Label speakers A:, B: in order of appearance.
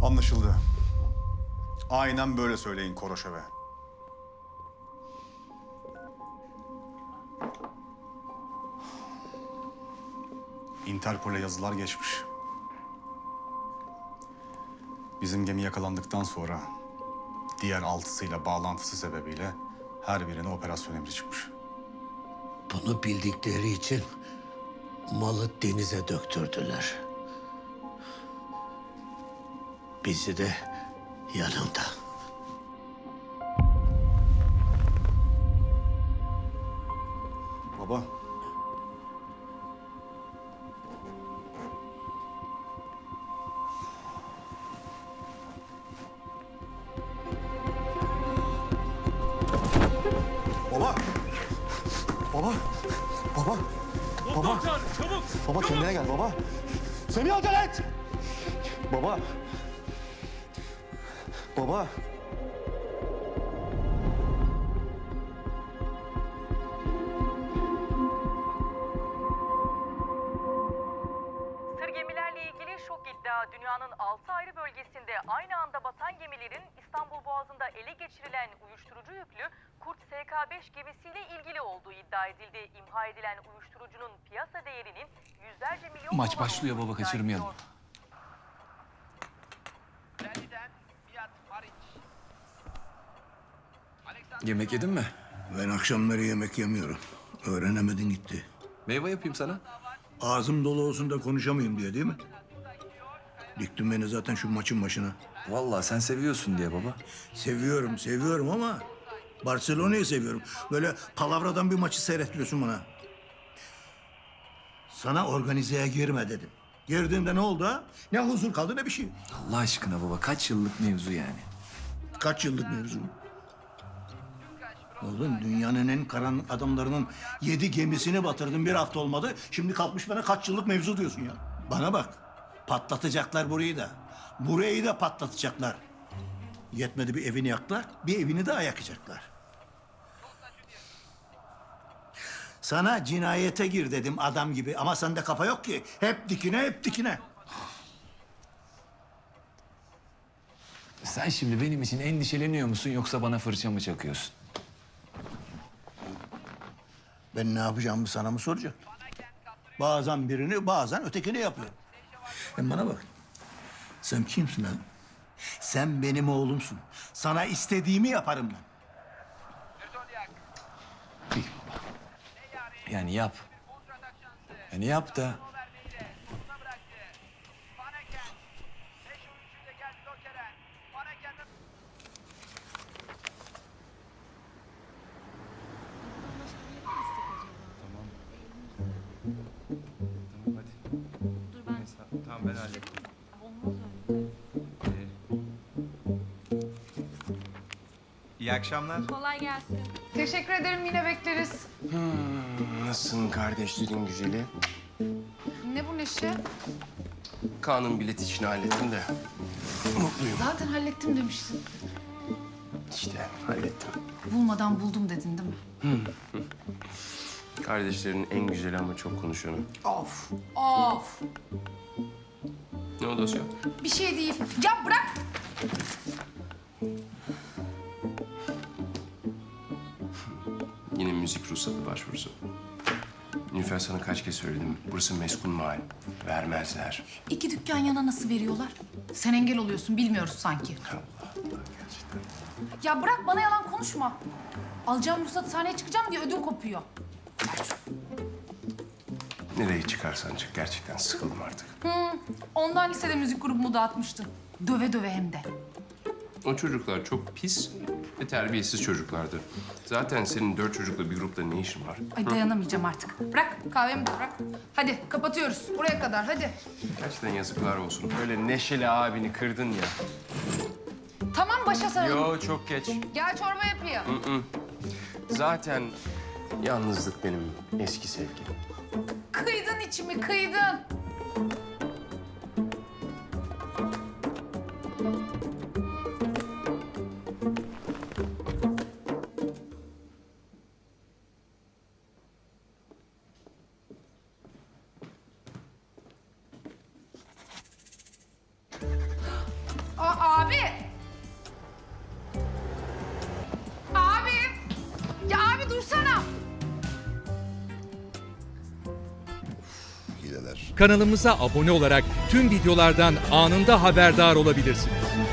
A: Anlaşıldı. Aynen böyle söyleyin Koroşev'e. Interpol'e yazılar geçmiş. Bizim gemi yakalandıktan sonra diğer altısıyla bağlantısı sebebiyle her birine operasyon emri çıkmış.
B: Bunu bildikleri için malı denize döktürdüler. Bizi de yanında.
A: Baba. Baba. Baba. Baba. Baba.
C: Doktor çabuk.
A: Baba kendine gel baba. Semih acele et. Baba. Baba.
D: Sır gemilerle ilgili şok iddia. Dünyanın 6 ayrı bölgesinde aynı anda batan gemilerin İstanbul Boğazı'nda ele geçirilen uyuşturucu yüklü Kurt SK5 gemisiyle ilgili olduğu iddia edildi. İmha edilen uyuşturucunun piyasa değerinin yüzlerce milyon
C: Maç
D: dolar
C: başlıyor
D: olduğu
C: baba,
D: iddia
C: kaçırmayalım.
D: ediliyor.
C: Yemek yedin mi?
B: Ben akşamları yemek yemiyorum. Öğrenemedin gitti.
C: Meyve yapayım sana.
B: Ağzım dolu olsun da konuşamayayım diye değil mi? Diktin beni zaten şu maçın başına.
C: Vallahi sen seviyorsun diye baba.
B: Seviyorum ama Barcelona'yı seviyorum. Böyle palavradan bir maçı seyrettiriyorsun bana. Sana organizeye girme dedim. Girdiğinde ne oldu ha? Ne huzur kaldı ne bir şey.
C: Allah aşkına baba, kaç yıllık mevzu yani?
B: Kaç yıllık mevzu? Oğlum dünyanın en karanlık adamlarının 7 gemisini batırdın, bir hafta olmadı. Şimdi kalkmış bana kaç yıllık mevzu diyorsun ya. Bana bak, patlatacaklar burayı da. Burayı da patlatacaklar. Yetmedi bir evini yaktılar, bir evini daha yakacaklar. Sana cinayete gir dedim adam gibi ama sende kafa yok ki. Hep dikine, hep dikine.
C: Sen şimdi benim için endişeleniyor musun yoksa bana fırça mı çakıyorsun?
B: Ben ne yapacağımı sana mı soracağım? Bazen birini, bazen ötekini yapıyor. Hem bana bak. Sen kimsin lan? Sen benim oğlumsun. Sana istediğimi yaparım ben.
C: İyi baba. Yani yap. Yani yap da.
E: Tamam ben hallettim. İyi akşamlar.
F: Kolay gelsin.
G: Teşekkür ederim, yine bekleriz.
H: Nasılsın kardeşlerin güzeli?
G: Ne bu Neşe?
H: Kaan'ın bilet işini hallettim de mutluyum.
G: Zaten hallettim demiştin.
H: İşte hallettim.
G: Bulmadan buldum dedin değil mi?
H: Kardeşlerin en güzeli ama çok konuşanı.
G: Of, of.
H: Ne oldu Asya?
G: Bir şey değil. Ya bırak.
H: Yine müzik ruhsatı başvurusu. Nilüfer sana kaç kez söyledim. Burası meskun mahal. Vermezler.
G: 2 dükkan yana nasıl veriyorlar? Sen engel oluyorsun, bilmiyoruz sanki.
H: Allah Allah gerçekten.
G: Ya bırak, bana yalan konuşma. Alacağım ruhsatı, sahneye çıkacağım diye ödüm kopuyor.
H: Nereye çıkarsan çık. Gerçekten sıkıldım artık.
G: Ondan lisede müzik grubumu dağıtmıştın. Döve döve hem de.
H: O çocuklar çok pis ve terbiyesiz çocuklardı. Zaten senin 4 çocukla bir grupta ne işin var?
G: Ay dayanamayacağım artık. Bırak, kahvemi de bırak. Hadi kapatıyoruz. Buraya kadar, hadi.
H: Gerçekten yazıklar olsun. Böyle neşeli abini kırdın ya.
G: Tamam, başa saralım.
H: Yo çok geç.
G: Gel çorba yapayım.
H: Zaten yalnızlık benim eski sevgilim.
G: Kıydın içimi, kıydın. Abi! Abi! Ya abi dursana!
F: Hileler.
I: Kanalımıza abone olarak tüm videolardan anında haberdar olabilirsiniz.